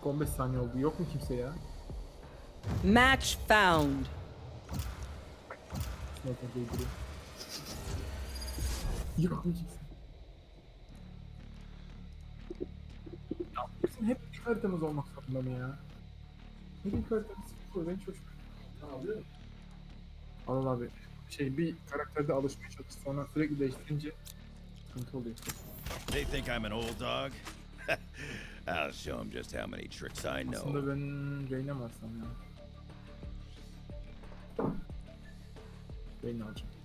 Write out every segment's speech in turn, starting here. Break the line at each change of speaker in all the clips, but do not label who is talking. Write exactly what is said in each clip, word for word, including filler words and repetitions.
on beş saniye oldu. Yok mu kimse ya?
Match found.
Sniper değdiriyor. Yok mu kimse? Ya bizim hep ilk haritamız olmak zorunda mı ya? Hep ilk haritamız sıkıntı. Ben çocuk. Al abi. Şey bir karakterde alışmaya çalış. Sonra sürekli değiştirince sıkıntı oluyor.
They think I'm an old dog? I'll show them just how many tricks I know.
Aslında ben Reyna mı alsam ya? Reyna alacağım.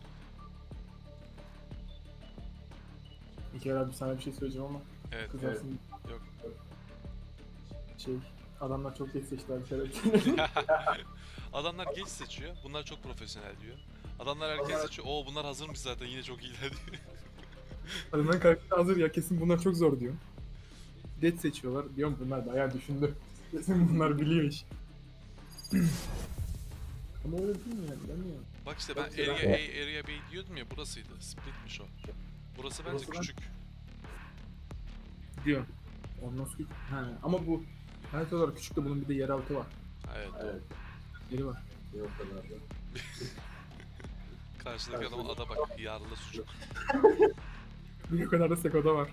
İlker abi sana bir şey söyleyeceğim ama
Evet.
kızarsın.
Yok.
Şey, adamlar çok geç seçtiler bir kere.
Adamlar geç seçiyor. Bunlar çok profesyonel diyor. Adamlar erken seçiyor. Oo bunlar hazırmış zaten yine çok iyiler diyor.
Adamların karakteri hazır ya, kesin bunlar çok zor diyor. Geç seçiyorlar. Diyorum bunlar bayağı düşündü. Kesin bunlar biliyor iş. Ama öyle değil mi yani? Bilmiyorum.
Bak işte ben Area A, Area B diyordum ya, burasıydı. Splitmiş o. Burası bence
Burası ben-
küçük.
Diyor. Ondan sonra... Ha, ama bu harita olarak küçük de bunun bir de yeraltı var.
Evet.
Evet. Yeri var.
Karşıdaki adama ada bak. Yarlı sucuk.
Bir o kadar da Seko'da var.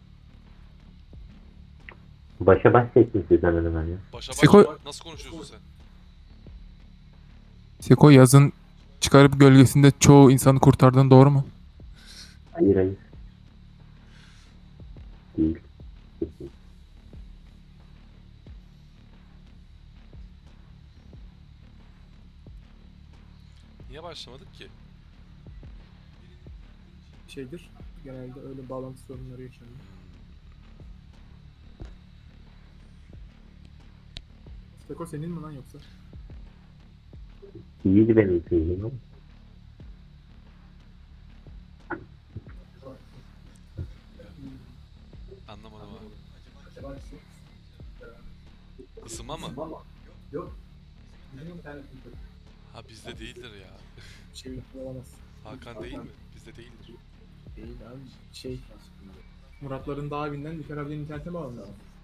Başa baş seçtin sizden hemen ya.
Başa baş
Seko-
nasıl konuşuyorsun sen?
Seko yazın çıkarıp gölgesinde çoğu insanı kurtardığın doğru mu?
Hayır hayır. Değil.
Niye başlamadık ki?
Şeydir. Genelde öyle bağlantı sorunları yaşanıyor. Seko senin mi lan yoksa?
İyiydi benim seyircim ama.
Anlamadım abi. Isınma mı?
Yok.
Ha bizde değildir ya.
Şey olamaz.
Hakan değil mi? Bizde değildir.
Değil abi. Şey. Muratların dağ evinden İlker abinin internete bağlandı.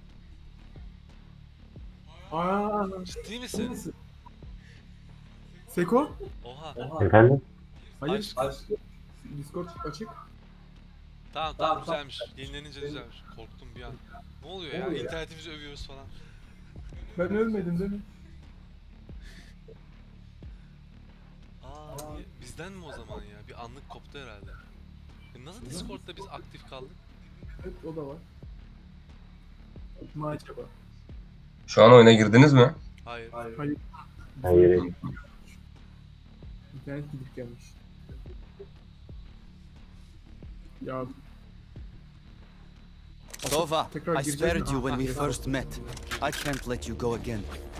Aaa.
Ciddi misin?
Seko?
Oha.
Efendim?
Hayır.
Aç.
Discord açık.
Tamam tamam güzelmiş. Yenilenince düzelmiş. Korktum bir an. Ne oluyor ya? İnternetimizi övüyoruz falan.
Ben ölmedim değil mi?
Aa, niye- bizden mi o zaman ya? Bir anlık koptu herhalde. E nasıl Discord'da biz aktif kaldık?
Evet o da var. Ma acaba?
Şu an oyuna girdiniz mi?
Hayır.
Hayır.
Hayır.
İnternet gidip gelmiş. Ya
Tova,
tekrar
I
gireceğiz
spared
mi?
you when
Ah,
we
ah,
first met. I can't let you go again.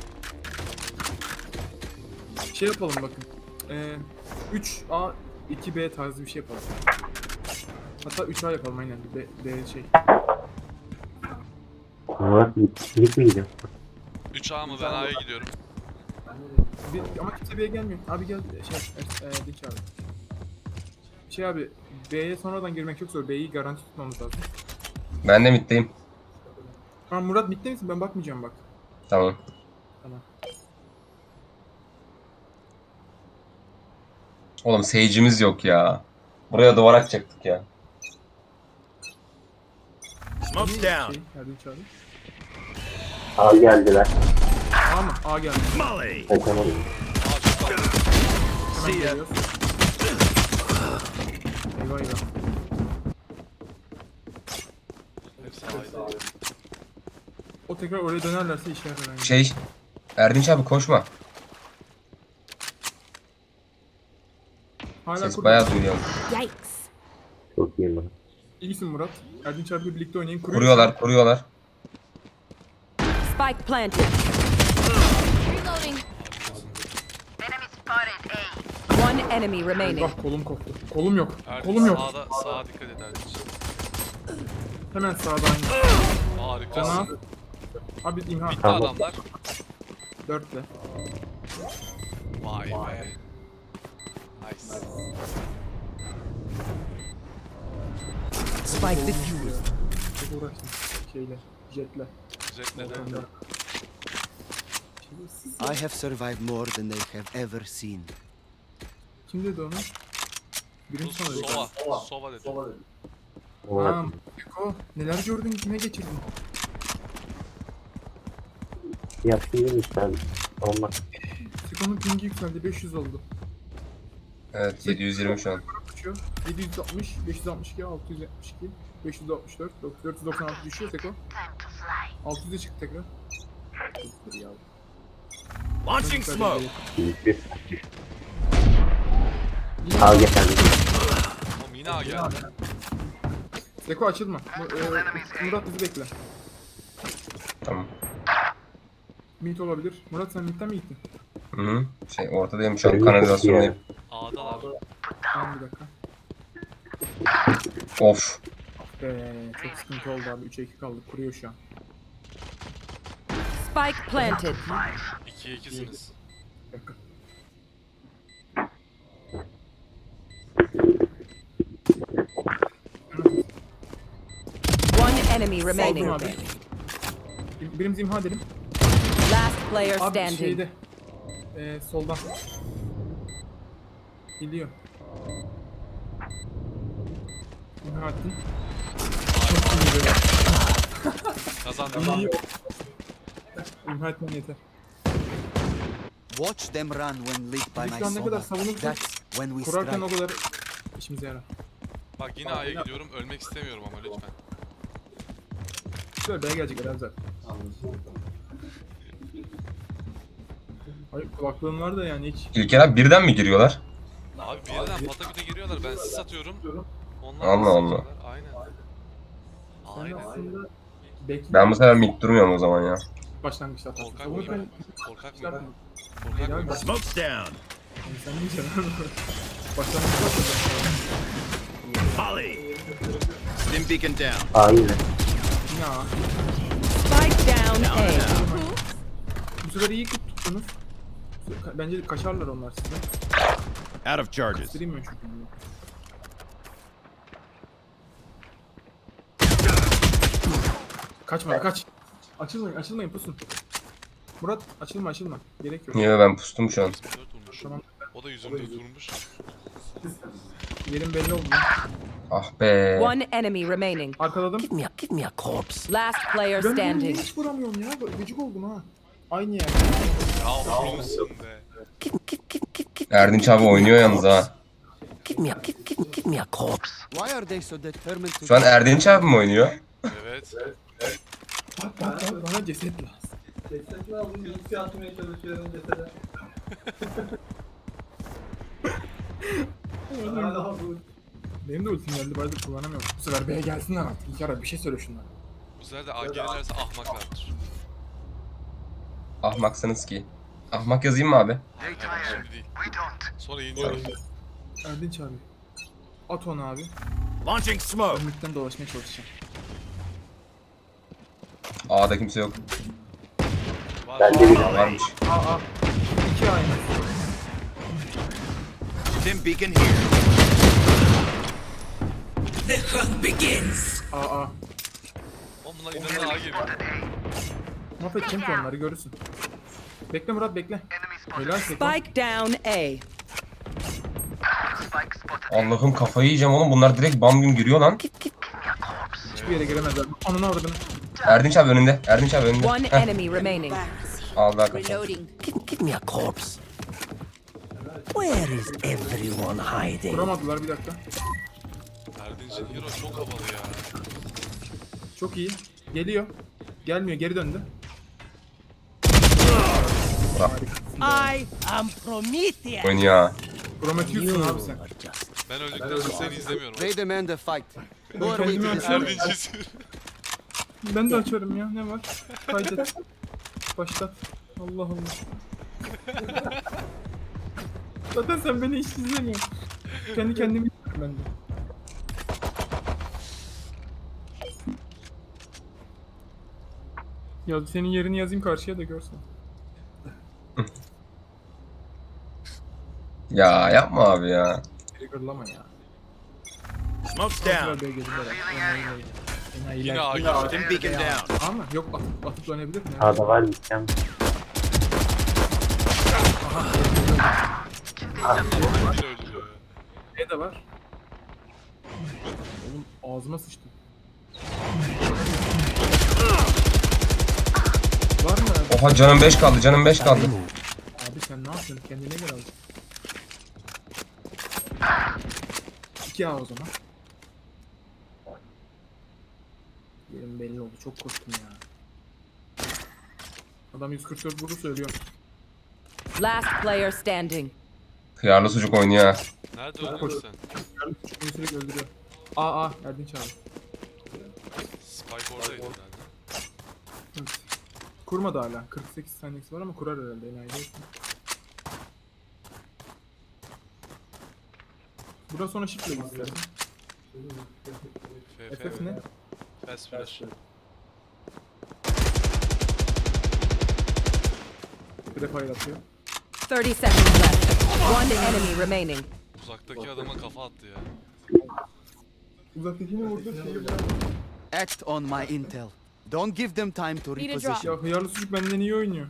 Şey yapalım bakın. Ee, üç A iki B tarzı bir şey yapalım. Hatta üç A yapalım aynen. B, B şey.
Murat gitmeyeceğim.
üç A mı? Ben A'ya gidiyorum.
Bir, ama kimse B'ye gelmiyor. Abi gel şey e, e, Dinç abi. Şey abi B'ye sonradan girmek çok zor. B'yi garanti tutmamız lazım.
Ben de middeyim.
Ha Murat bitti misin? Ben bakmayacağım bak.
Tamam.
Tamam.
Oğlum sage'imiz yok ya. Buraya duvar atacaktık ya.
Smoke's down.
Şey, Erdinç abi.
Al geldiler.
A mı? A geldi.
Molly.
Kaçamadım.
Aa çok kaldı.
Hemen geliyoruz. Eyvah eyvah.
Hepsi A'ydı.
O tekrar oraya dönerlerse işe yarar. Yani.
Şey, Erdinç abi koşma.
Hala
Ses
kurdu.
bayağı duyuyor.
Yikes.
Çok iyi Murat.
İyisin Murat. Erdinç abiyle birlikte oynayın. Kuruyor.
Kuruyorlar, kuruyorlar.
Spike planted.
Reloading.
One enemy remaining.
Bak kolum koptu. Kolum yok.
Erdinç
Kolum yok.
sağda, sağa dikkat et Erdinç.
Hemen sağda aynı.
Harikasın.
Cana. Abi imha.
Bitti adamlar.
Dörtle.
Vay be. Nice.
Spike diffused.
Çok uğraştım. Şeyle. Jetle.
Jet neden?
Volkan'da. Şerefsiz.
I have survived more than they have ever seen.
Kim dedi onu?
Bu
Birinci sana dedi.
Sova. Sova dedi.
Aa, Eko, neler gördün, kime geçirdin?
Yapayım işte. Olmaz.
Seko'nun pingi yükseldi, beş yüz oldu.
Evet yedi yüz yirmi şu an.
Düşüyor. yedi yüz altmış, beş yüz altmış iki, altı yüz yetmiş iki, beş yüz altmış dört, dört yüz doksan altı düşüyor Seko. altı yüze çıktı tekrar. Dur ya.
Launching smoke.
Büyük bir. Al geldi.
Oğlum yine A geldi.
Seko açılma. Bu, e, Murat bizi bekle.
Tamam.
Mid olabilir. Murat sen midden mi gittin?
Hı hı. Şey ortadayım şu an kanalizasyondayım.
A'dalar.
Tamam bir dakika.
Of.
Be, çok sıkıntı oldu abi. üçe iki kaldık. Kuruyor şu an.
Spike planted.
ikiye ikisiniz.
Bir dakika.
One enemy
Aldım
remaining.
abi. Bir- Birimizi imha edelim.
Last player
Abi
standing.
şeyde. E, soldan. Gidiyor. İmha ettim. Çok iyi böyle.
Kazandım.
İyi. İmha etmen yeter.
Watch them run when lit by
Biz
my
şu an ne kadar
Sova.
savunursak
That's when we
kurarken o
strike.
kadar işimize yarar.
Bak yine A'ya gidiyorum. Ölmek istemiyorum ama lütfen.
Şöyle B'ye gelecekler abi zaten. Hayır kulaklığın var da yani hiç.
İlker abi birden mi giriyorlar?
Abi bir yerden pataküte giriyorlar. Ben sis atıyorum. Onlar
Allah
sis
Allah.
atıyorlar. Aynen.
Sen
Aynen.
aslında bekle.
Ben bu sefer mid durmuyorum o zaman ya.
Başlangıçta atarsın.
Korkak
Savunurken
mıyım? Korkak
şey
mıyım?
yapma.
Korkak
Ya
mıyım?
baş-
Smoke's down.
Yani sen ne diyeceksin? Başlangıçta atarsın.
Molly. Stim beacon down.
Aa yine.
Ya
Spike down A.
bu sefer iyi tuttunuz. Bence kaçarlar onlar size.
Out of charges.
Göstereyim mi çünkü bunu? Kaçma kaç. Açılmayın açılmayın pusun. Murat açılma açılma. Gerek yok.
Niye ben pustum şu an.
dört vurmuş.
Tamam.
O da yüzümde vurmuş.
Yerin belli oldu. lan.
Ah be.
One enemy remaining.
Arkaladım.
Give me a, give me a corpse.
Last player
Ben bunu niye
standing.
hiç vuramıyorum ya. Gıcık oldum ha. Aynı yer.
Ya vurmuşsun be.
Give, give, give, give, give,
Erdinç abi oynuyor yalnız ha.
give me a, give, give, give me a corpse. Why are they so determined to?
Şu an Erdinç abi mi oynuyor?
Evet.
Bak bak bak bana ceset lazım. Benim de ultim geldi. Bayağıdır kullanamıyorum. Bu sefer B'ye gelsinler artık. İlker abi bir şey söyle şunlara.
Bu sefer de A gelirlerse ahmaklardır.
Ahmaksınız ki. Ahmak yazayım mı abi?
Hayır, şimdi değil. Sonra yeniyorum.
Erdinç abi. At onu abi.
Launching smoke.
Ömürtten dolaşmaya çalışacağım.
A'da kimse yok.
Var.
Ben de bir.
Aa, varmış.
Aa aa. İki aynı.
Stim beacon here.
Aa aa.
Oğlum bunlar inanın A geliyor.
Mahvedeceğim ki onları görürsün. Bekle Murat bekle. Helal Seko.
Spike down A.
Allah'ım kafayı yiyeceğim oğlum. Bunlar direkt bam güm giriyor lan.
Hiçbir yere giremezler. Ananı avradını.
Erdinç abi önünde. Erdinç abi önünde.
One
Heh,
enemy remaining.
aldı hakikaten.
Reloading.
Give, give me a corpse. Where is everyone hiding?
Kuramadılar bir dakika.
Erdinç'in hero çok havalı ya.
Çok iyi. Geliyor. Gelmiyor geri döndü.
I am Prometheus.
Oynuyor ha.
Prometheus'sun abi sen.
Ben öldükten sonra seni izlemiyorum.
They demand a fight. Who are we
kendimi
to
açıyorum.
decide?
Erdinç'i
Ben de açarım ya ne var? Kaydet. Başlat. Allah Allah. Zaten sen beni hiç izlemiyorsun. Kendi kendimi izliyorum ben de. Ya senin yerini yazayım karşıya da görsen.
Ya yapma abi ya.
Triggerlama ya.
Smoke's
Kontrol
down.
B'ye gelirler. Enayiler. Enayiler.
Yine A geliyor.
Stim beacon down.
Ama yok atıp, atıp dönebilir mi?
A'da var gideceğim.
Biri öldürüyor ya.
Ne de var? Oğlum ağzıma sıçtı. Var mı?
Oha canım beş kaldı canım beş kaldı.
Abi sen ne yapıyorsun? Kendine gel abi. iki A o zaman. Yerim belli oldu. Çok korktum ya. Adam yüz kırk dört vurdu söylüyor.
Last player standing.
Hıyarlı sucuk oynuyor ha.
Nerede öldürdün sen?
Çünkü beni sürekli öldürüyor. Aa aa Erdinç abi.
Spike oradaydı herhalde.
Evet. Kurmadı hala. kırk sekiz saniyesi var ama kurar herhalde enayi değilsin. Buradan sonra shift'le git istersen.
F
F F ne?
Fast flash.
Bir de fire atıyor.
thirty seconds left. One enemy remaining.
Uzaktaki adama kafa attı ya.
Uzaktakini vurdu şeyi bırak.
Act on my intel. Don't give them time to
Need a
reposition.
Ya hıyarlı sucuk benden iyi oynuyor.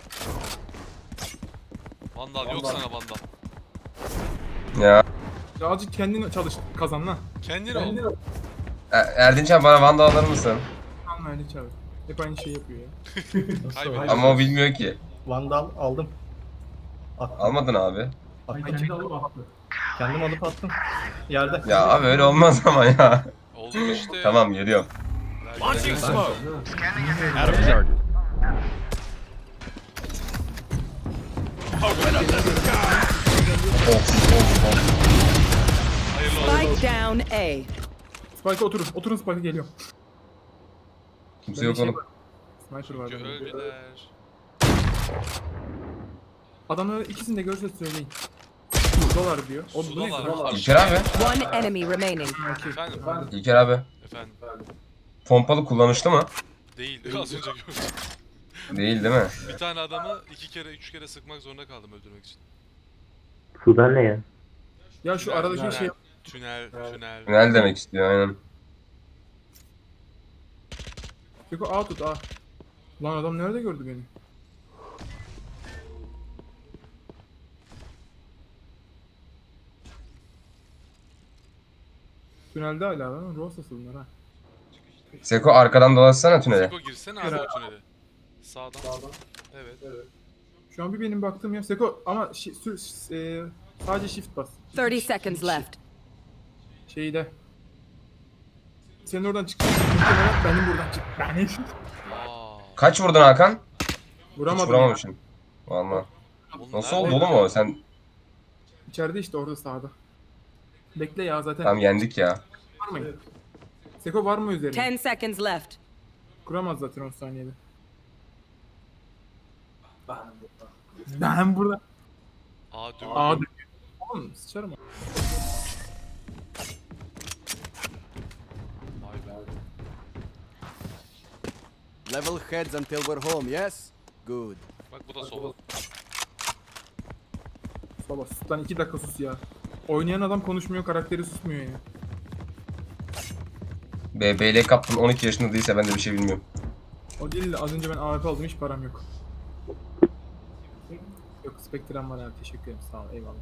Vandal yok sana vandal.
Ya.
Ya azıcık kendin çalış kazan lan.
Kendin ol.
E- Erdinç abi bana Vanda alır mısın?
Tamam Erdinç abi. Hep aynı şeyi yapıyor ya.
Kaybediyor.
Ama o bilmiyor ki.
Vandal aldım. Attım.
Almadın abi.
Ay kendi alıp attı.
Kendim alıp attım. Yerde.
Ya abi öyle olmaz ama ya.
Oldu mu işte.
Tamam geliyorum.
Launching smoke. Out of charges. Open up the sky.
Of of of.
Hayırlı olsun.
Spike down A.
Spike'a oturun. Oturun Spike'a geliyor.
Kimse yok oğlum.
Sniper var.
Çünkü
bende.
öldüler.
Adamları ikisini de görse söyleyin. Sudalar diyor. O bu ne?
Sudalar.
İlker abi.
One enemy remaining.
Efendim.
İlker abi.
Efendim.
Pompalı kullanışlı mı?
Değil. Az önce gördüm.
Değil değil mi?
Bir tane adamı iki kere, üç kere sıkmak zorunda kaldım öldürmek için.
Sudan ne ya?
Ya şu aradaki şey
Tünel, tünel.
Tünel demek istiyor aynen.
Peki A tut A. Lan adam nerede gördü beni? Tünelde hala lan. Rosası bunlar ha.
Seko arkadan dolaşsana tünele.
Seko girsene abi o tünele. Sağdan. Evet.
Şu an bir benim baktığım yer Seko ama şi, sü, e, sadece shift bas.
thirty seconds left.
Şeyde. Senin oradan çıktı. Muhtemelen benim buradan çıktı. Benim.
Aa.
Kaç vurdun Hakan? Hiç
Vuramadım.
vuramamışsın. Valla.
Oğlum
Nasıl
nerede?
oldu oğlum o? Sen
İçeride işte orada sağda. Bekle ya zaten.
tam yendik ya.
Var mı? Seko var mı üzerine?
ten seconds left.
Kuramaz zaten on saniyede. Ben burada.
Aa dön.
Aa dönüyor. Oğlum sıçarım.
Vay be.
Level heads until we're home, yes? Good.
Bak bu da sola.
Sola sus lan iki dakika sus ya. Oynayan adam konuşmuyor, karakteri susmuyor ya.
B B L kaptın on iki yaşında değilse ben de bir şey bilmiyorum.
O değil de az önce ben A W P aldım hiç param yok. Yok Spectre'm var abi teşekkür ederim sağ ol eyvallah.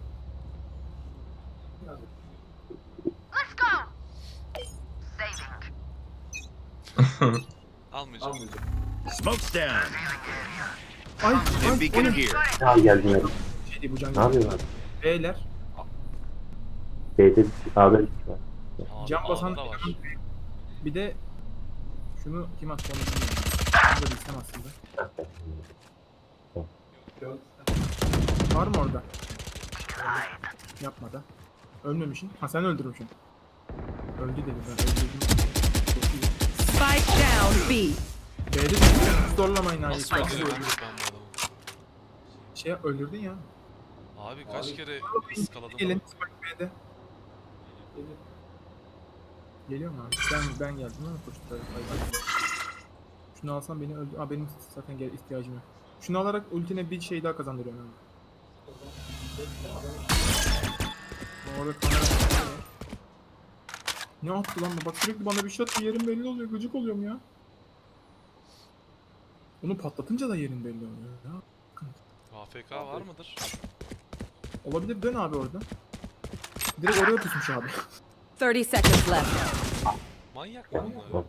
Almayacağım.
Smoke's down.
Ay
Stim
ay
beacon
o ne?
here.
Al geldim ya.
Şey değil bu can.
Ne yapıyorlar?
Beyler
B'de bir A'da bir kişi var.
Aa,
can basan
A'da da var.
bir de şunu kim attı onu bilmiyorum. Bunu da bilsem aslında. Var mı orada? Yapma da. Ölmemişsin. Ha sen öldürmüşsün. Öldü dedi ben öldürdüm. Çok iyi.
Spike down B.
B'de de zorlamayın abi.
Nasıl öldürebiliriz ben bu adamı?
Şey öldürdün ya.
Abi kaç kere ıskaladım.
Gelin Spike B'de. Geliyor mu abi? Ben ben geldim ama koştu. Şunu alsam beni öldü. Aa benim zaten gel ihtiyacım yok. Şunu alarak ultine bir şey daha kazandırıyorum abi. Orada kamera var. Ne attı lan bu? Bak sürekli bana bir şey attı. Yerim belli oluyor. Gıcık oluyorum ya. Onu patlatınca da yerin belli oluyor ya.
A F K var mıdır?
Olabilir, dön abi orada. Direkt oraya pusmuş abi.
thirty seconds left.
Manyak mı bunlar?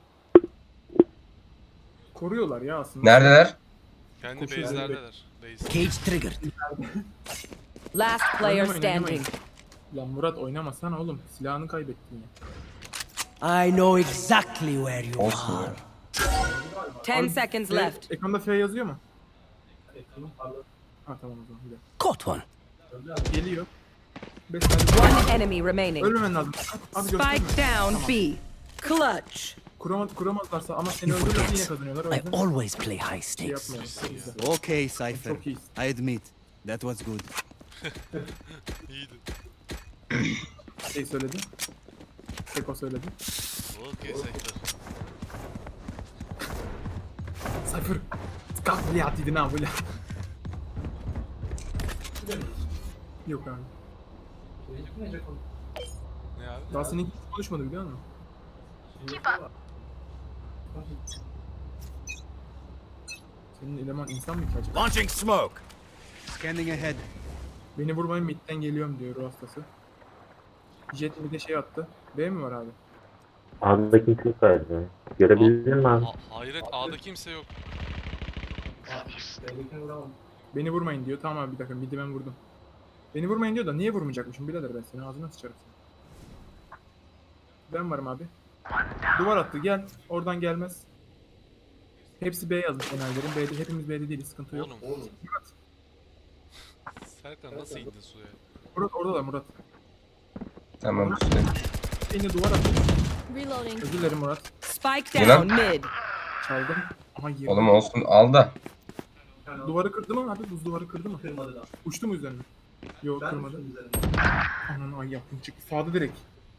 Koruyorlar ya aslında.
Neredeler?
Kendi
Koşuyor,
base'lerdeler. Base.
Cage triggered.
Last player
Oynamayın,
standing.
oynamayın. Lan Murat oynamasana oğlum. Silahını kaybettin ya.
I know exactly where you
Olsun
are.
ya.
ten
Abi,
seconds
F-
left.
Ekranda F yazıyor mu? Ha tamam o zaman. Bir dakika.
Caught one.
Geliyor. beş saniye.
One enemy remaining.
Ölmemen lazım. Abi gösterme.
Spike down
Tamam.
B. Clutch.
Kuramaz, kuramazlarsa ama seni
You
öldürürse yine
forget.
kazanıyorlar. O
I
yüzden
always play high
şey
stakes.
yapmayalım. Güzel.
Okay, Cypher.
Çok iyisin.
I admit, that was good.
İyiydi.
Şey söyledi. Seko söyledi.
Okey Cypher.
Cypher. Kalk buraya attıydın ha böyle. Yok abi.
Ne abi?
Daha senin hiç konuşmadı biliyor musun? Senin eleman insan mı ki acaba?
Launching smoke.
Scanning ahead.
Beni vurmayın midden geliyorum diyor ruh hastası. Jet bir de şey attı. B mi var abi?
A'da kimse yok galiba. Görebildin mi abi?
Ha- hayret A'da kimse yok.
Beni vurmayın diyor. Tamam abi bir dakika midi ben vurdum. Beni vurmayın diyor da niye vurmayacakmışım birader ben seni ağzına sıçarım seni. Ben varım abi. Duvar attı gel. Oradan gelmez. Hepsi B yazmış enerjilerin. B'de hepimiz B'de değiliz sıkıntı yok.
Oğlum.
Murat.
Serkan nasıl indin suya?
Murat orada da Murat.
Tamam işte.
Yine duvar attı.
Reloading.
Özür dilerim Murat.
Spike
Yılan.
down mid.
Çaldım. Aha girdi.
Oğlum olsun al da.
Duvarı kırdı mı abi? Buz duvarı kırdı mı? Kırmadı daha. Uçtu mu üzerine? Yok kırmadı. Ananı ay yaptım çıktı. Sağda direkt.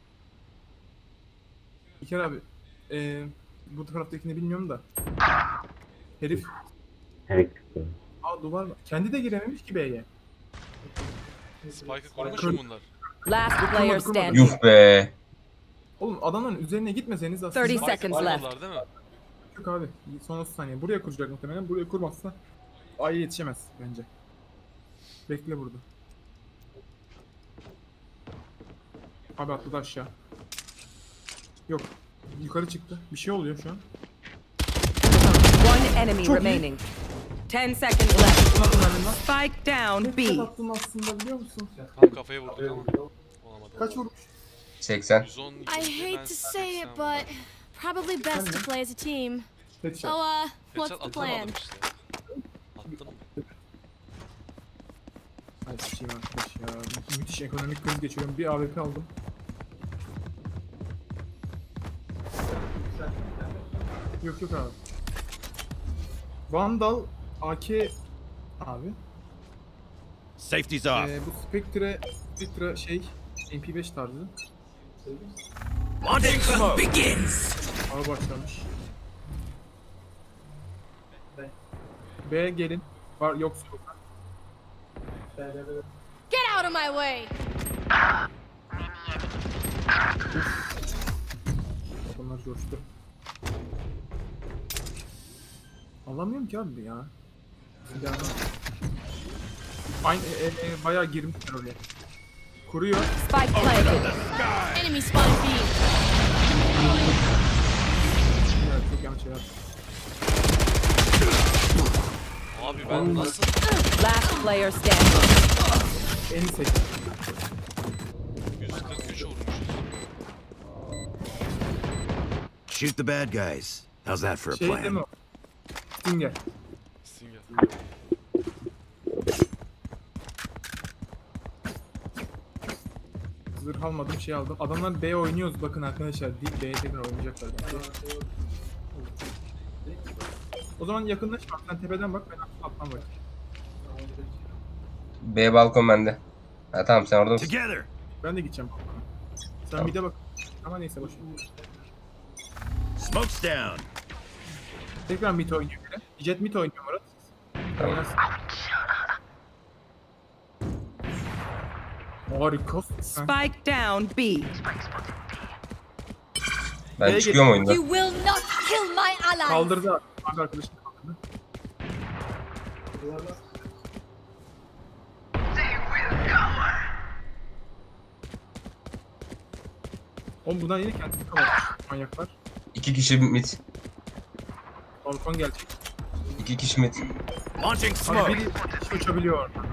İlker abi. Eee bu taraftakini bilmiyorum da. Herif.
Evet.
Aa duvar var. Kendi de girememiş ki B'ye.
Spike'ı kurmuş mu bunlar?
Last player
Kurmadı, kurmadı.
standing.
Yuh be.
Oğlum adamların üzerine gitmeseniz aslında.
thirty
Spike
seconds
Kurmuyorlar
left.
değil mi?
Yok abi. Son otuz saniye. Buraya kuracak muhtemelen. Buraya kurmazsa A'ya yetişemez bence. Bekle burada. Abi atladı aşağı. Yok. Yukarı çıktı. Bir şey oluyor şu an.
One enemy
Çok iyi.
remaining. ten seconds left.
Nasıl verdin lan?
Spike down
Tek
B.
attın aslında biliyor musun?
Tam kafaya vurduk ama. Olamadı.
Kaç vurmuş?
Oh,
seksen.
yüz on,
I
yüz
hate
ben
to say it,
seksen
but probably best to play as a team.
Headshot.
So, uh,
Headshot
what's the plan?
atamadım işte. Attım.
Ay sıçayım arkadaş ya. Mü- Müthiş ekonomik kriz geçiriyorum. Bir A W P aldım. Yok yok abi. Vandal A K abi.
Safety's off.
Ee, bu Spectre Spectre şey M P beş tarzı.
Launching smoke.
Begins.
Ağ başlamış. B gelin. Var yoksa yok.
Get out of my way!
Adamlar coştu. Anlamıyorum ki abi ya. Silahını. Aynı e, e, bayağı girmişler oraya. Kuruyor.
Spike planted.
Enemy spotted B.
Ya, çok yanlış şey yaptı.
Abi ben nasıl?
Last player standing.
En seçti.
yüz kırk üç vurmuşuz.
Shoot the bad guys. How's that for a
Şey değil mi
plan?
o? Stinger.
Stinger.
Zırh almadım şey aldım. Adamlar B oynuyoruz bakın arkadaşlar. Değil B'ye tekrar oynayacaklar bence. O zaman yakınlaş bak sen tepeden bak ben alttan bak.
B balkon bende. Ha tamam sen orada mısın?
Together.
Ben de gideceğim. Sen
Tamam.
bir de bak. Ama neyse boş ver.
Smoke's down.
Tekrar mid oynuyor biri. Jet mid oynuyor Murat.
Tamam.
Oynarsın. Harika. Ha,
Spike down B.
Ben
B'ye
çıkıyorum
geç.
oyunda.
You will not kill my allies!
Kaldırdı abi arkadaşını kaldırdı. Oğlum buradan yine kendini kapatmış manyaklar.
İki kişi mid.
Balkon gelecek.
İki kişi mid.
Launching
Abi
smoke.
biri kişi uçabiliyor orada.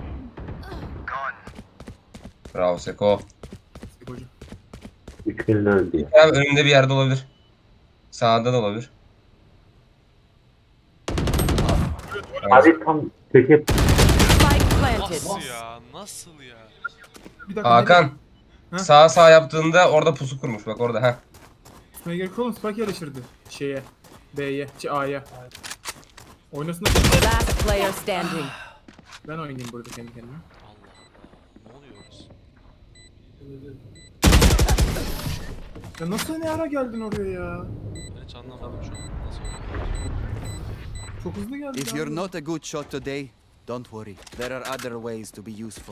Bravo Seko.
Hoca.
Üçünü öldü ya.
Abi önünde bir yerde olabilir. Sağda da olabilir.
Abi tam köşe
Spike planted.
Nasıl ya? Nasıl ya?
Bir dakika.
Hakan.
Ha?
Sağ sağ yaptığında orada pusu kurmuş bak orada ha.
Nereye gerek oğlum? Spike yerleştirdi. Şeye. B'ye. Şey A'ya. Oynasın da
Last player standing.
ben oynayayım burada kendi kendime.
Allah Allah. Ne oluyoruz?
Ya nasıl ne ara geldin oraya ya?
Ben hiç anlamadım şu an. Nasıl oluyor?
Çok hızlı geldin.
If you're not a good shot today, don't worry. There are other ways to be useful.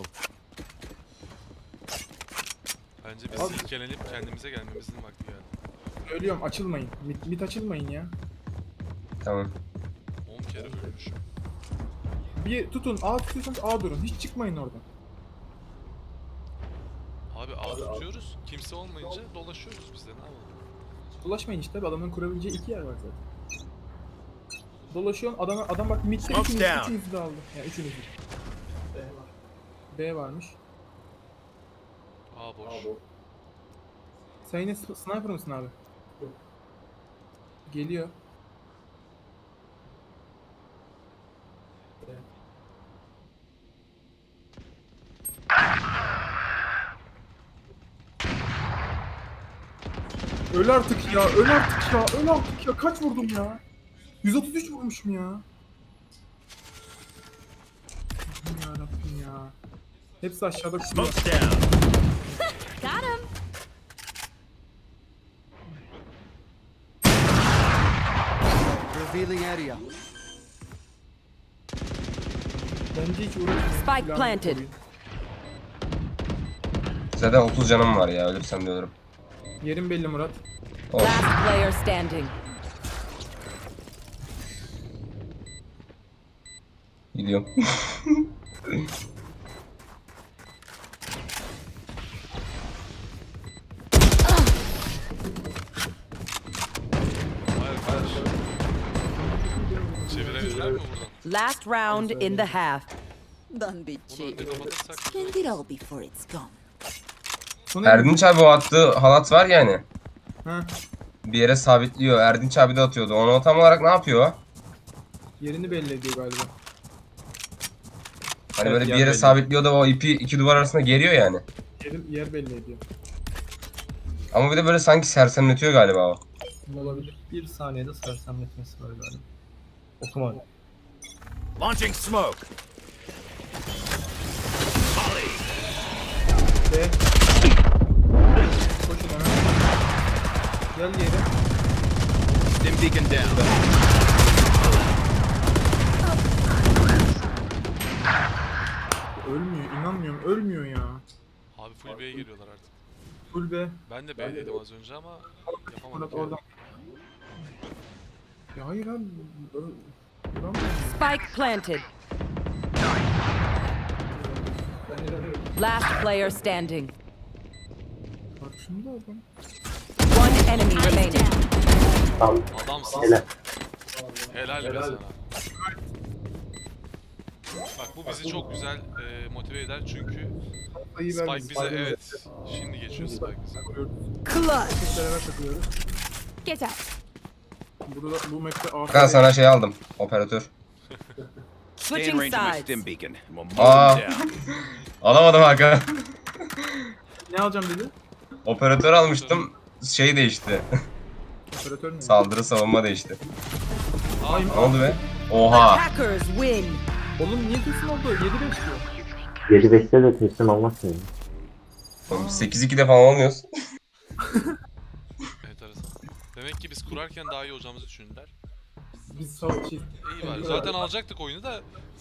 Bence biz
Abi-
silkelenip kendimize gelmemizin vakti geldi.
Ölüyorum açılmayın. Mit, mit açılmayın ya.
Tamam.
on kere ölmüşüm.
Bir tutun A tutuyorsanız A durun. Hiç çıkmayın oradan.
Abi A tutuyoruz. Kimse olmayınca dolaşıyoruz biz de ne yapalım?
Dolaşmayın işte. Adamın kurabileceği iki yer var zaten. Dolaşıyorsun adam adam bak midde
Smoke's
üçünüz,
down.
üçünüzü de aldı. Yani üçünüzü. B varmış.
A boş.
Sen yine s- sniper mısın abi? Geliyor. Öl artık ya, öl artık ya, öl artık ya. Kaç vurdum ya? yüz otuz üç vurmuşum ya. Allah'ım yarabbim ya. Hepsi aşağıda kusuyor.
Smoke's down.
Got him.
Revealing area.
Bence hiç uğraşmayın.
Spike
Silahını
planted.
koruyun.
Zaten otuz canım var ya ölürsem de ölürüm.
Yerin belli Murat.
Olsun.
Last player standing.
Gidiyorum.
Hayır kardeşim. Çevirebilirler mi buradan?
Last round in the half.
Don't be
Bunu
cheap.
önce kapatırsak
Spend it all before it's gone.
Sonra
Erdinç abi o attığı halat var yani.
Ha,
Bir yere sabitliyor. Erdinç abi de atıyordu. Onu o tam olarak ne yapıyor?
yerini belli ediyor galiba.
Hani
Evet,
böyle bir
yer
yere
belli.
sabitliyor da o ipi iki duvar arasında geriyor yani.
Yerin, yer belli ediyor.
Ama bir de böyle sanki sersemletiyor galiba o.
Olabilir.
Bir saniyede sersemletmesi var galiba. Otomatik.
Launching smoke.
B. Koşun hemen. Gel yere.
Stim beacon down.
Ölmüyor, inanmıyorum. Ölmüyor ya.
abi full B'ye geliyorlar artık.
Full B.
Ben de B dedim az önce ama yapamadım.
Murat oradan. Ya hayır abi. ö- Vuramıyorum.
Spike planted. Last player standing.
Karşımda adam.
One enemy remaining.
tam
Adamsın.
helal.
Helal be sana. Bak bu bizi çok güzel e, motive eder çünkü
Sayı
Spike
vermedik.
bize evet. Şimdi geçiyor Spike bize.
Takılıyoruz.
Clutch.
Beraber takılıyoruz.
Get out.
Burada bu map'te A F
Hakan sana şey aldım. Operatör.
Stay in
Switching
range of my
sides.
stim beacon. and We'll mow
Aa.
them down.
Alamadım Hakan.
Ne alacağım dedi?
Operatör almıştım. Şey değişti.
Operatör mü?
Saldırı savunma değişti.
Aa,
Ne oldu be? Oha.
Attackers win.
Oğlum niye kesin oldu? yedi beş diyor.
yedi beşte de teslim olmazsın ya.
Oğlum sekiz ikide falan olmuyoruz.
enteresan. Demek ki biz kurarken daha iyi olacağımızı düşündüler.
Biz sağ şey.
İyi var. Zaten alacaktık oyunu da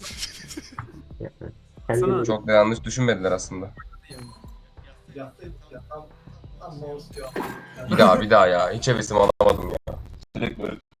Kendini
Çok da yanlış düşünmediler aslında. Bir daha bir daha ya. Hiç hevesimi alamadım ya. Direkt böyle